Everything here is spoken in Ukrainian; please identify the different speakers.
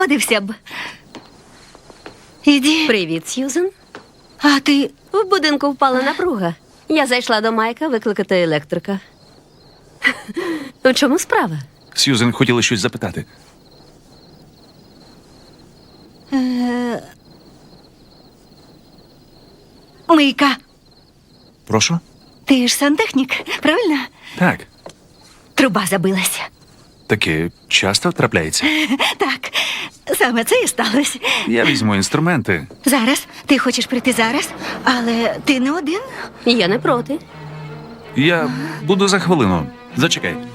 Speaker 1: Подився б. Іди.
Speaker 2: Привіт, Сьюзен.
Speaker 1: А ти...
Speaker 2: В будинку впала напруга. Я зайшла до Майка викликати електрика. У чому справа?
Speaker 3: Сьюзен хотіла щось запитати.
Speaker 1: Мийка,
Speaker 3: Прошу?
Speaker 1: ти ж сантехнік, правильно?
Speaker 3: Так.
Speaker 1: Труба забилася.
Speaker 3: Таке часто трапляється.
Speaker 1: Так, саме це і сталося.
Speaker 3: Я візьму інструменти.
Speaker 1: Зараз? Ти хочеш прийти зараз? Але ти не один?
Speaker 2: Я не проти.
Speaker 3: Я буду за хвилину. Зачекай.